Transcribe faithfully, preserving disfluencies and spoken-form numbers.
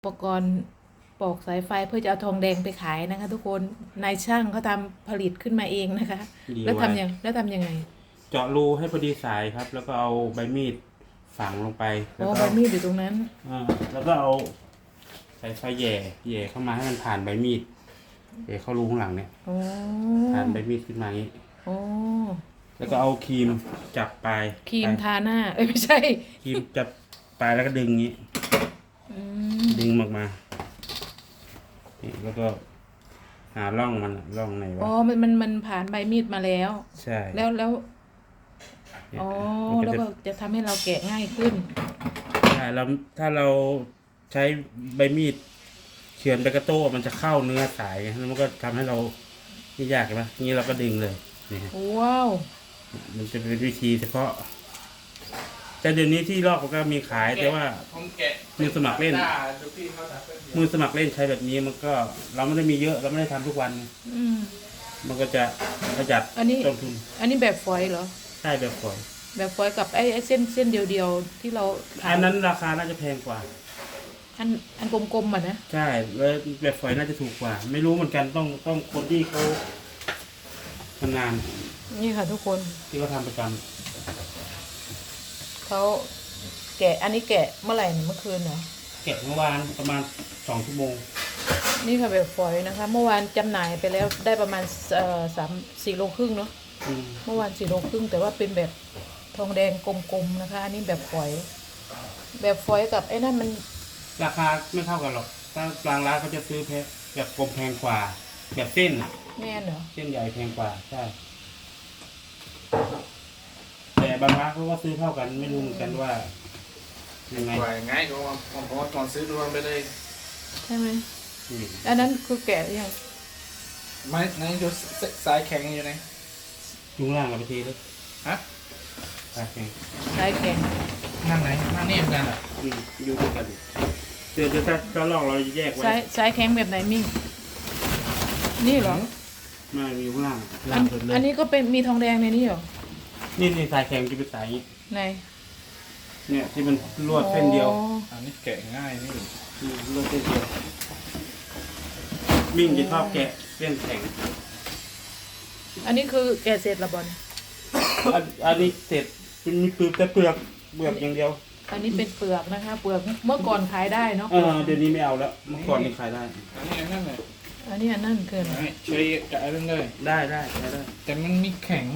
อุปกรณ์ปอกสายไฟเพื่อจะเอาทองแดงไปขายนะคะ ทุกคนนายช่างเขาทำผลิตขึ้นมาเองนะคะ แล้วทำยังแล้วทำยังไงเจาะรูให้พอดีสายครับ แล้วก็เอาใบมีดฝังลงไปแล้อ๋วอก็ใบมีดอยู่ตรงนั้นอ่าแล้วก็เอาสายไฟแหย่แหย่เข้ามาให้มันผ่านใบมีดแหย่เข้ารูข้างหลังเนี่ยโอ้ผ่านใบมีดขึ้นมาอย่างนี้โอ้แล้วก็เอาครีมจับปลายครีมปลายทาหน้าเอ้ยไม่ใช่ครีมจับปลายแล้วก็ดึงอย่างนี้อืมดึงออกมานี่แล้วก็หาร่องมันอะร่องไหนวะอ๋อมันมันมันผ่านใบมีดมาแล้วใช่แล้วแล้วเนี่ยอ๋อมันแล้วจะก็จะทำให้เราแกะง่ายขึ้นใช่แล้วถ้าเราใช้ใบมีดเฉือนไปกระโต้มันจะเข้าเนื้อสายไงแล้วมันก็ทำให้เราไม่ยากใช่ไหมนี้เราก็ดึงเลยนี่ฮะว้าวมันจะเป็นวิธีเฉพาะ แต่เดี๋ยวนี้ที่ลอกก็มีขายแต่ว่าผมแกะมือสมัครเล่นดูพี่เขาทำเป็นมือสมัครเล่นใช้แบบนี้มันก็เราไม่ได้มีเยอะเราไม่ได้ทำทุกวันอืมมันก็จะประหยัดอันนี้ต้นทุนอันนี้แบบฝอยเหรอใช่แบบฝอยแบบฝอยกับไอ้ไอ้เส้นเส้นเดียวๆที่เราขายอันนั้นราคาน่าจะแพงกว่าอันอันกลมๆอ่ะนะใช่แล้วแบบฝอยน่าจะถูกกว่า ไม่รู้เหมือนกันต้องต้องคนที่เขาทำงานนี่ค่ะทุกคนที่เขาทำประจำเขาแกะอันนี้แกะเมื่อไหร่เนี่ยเมื่อคืนเหรอเก็บเมื่อวานประมาณสองชั่วโมงนี่ค่ะแบบฝอยนะคะ เมื่อวานจำหน่ายไปแล้วได้ประมาณเอ่อสามสี่โลครึ่งเนาะอืมเมื่อวานสี่โลครึ่งแต่ว่าเป็นแบบทองแดงกลมๆนะคะ อันนี้แบบฝอย แบบฝอยกับไอ้นั่นมันราคาไม่เท่ากันหรอกถ้าบางร้านเขาจะซื้อเพชรแบบกลมแพงกว่า แบบเส้นอะแม่นเหรอเส้นใหญ่แพงกว่าใช่ แต่บางร้านเขาก็ซื้อเท่ากันไม่รู้เหมือนกันว่ายังไงปล่อยง่ายก็ว่าผมผมว่าก่อนซื้อรวมไปเลยใช่ไหมอืมอันนั้นคือแกะหรือยังไม่ไหนดูสสายแข็งอยู่ไหนยุงล่างเราไปทีเลยฮะตาแข็งสายแข็งนั่งไหนนั่งนี่เหมือนกันอ่ะอืมอยู่ด้วยกันเดี๋ยวจะถ้าถ้าลอกเราจะแยกไว้สายสายแข็งแบบไหนมิ่งนี่เหรอไม่มีข้างล่างอัล่าน งสุดเลยอันนี้ก็เป็นมีทองแดงในนี้เหรอนี่นี่สายแข็งจะเป็นสายอย่างนี้ในเนี่ยที่มันลวดเส้นเดียวอ๋ออันนี้แกะง่ายนี่อืมลวดเส้นเดียวมิ่งจะชอบแกะเส้นแข็งอันนี้คือแกะเสร็จละบอลอันอันนี้เสร็จเป็นมีเปลือกแต่เปลือกเปลือกอย่างเดียวอันนี้เป็นเปลือกนะคะ เปลือกเมื่อก่อนขายได้เนาะเออเดี๋ยวนี้ไม่เอาแล้วเมื่อก่อนนี่ขายได้อันนี้อันนั่นเลยอันนี้อันนั่นเกินใช่ใช้กะเรื่องเลยได้ได้ได้ได้แต่มันมีแข็ง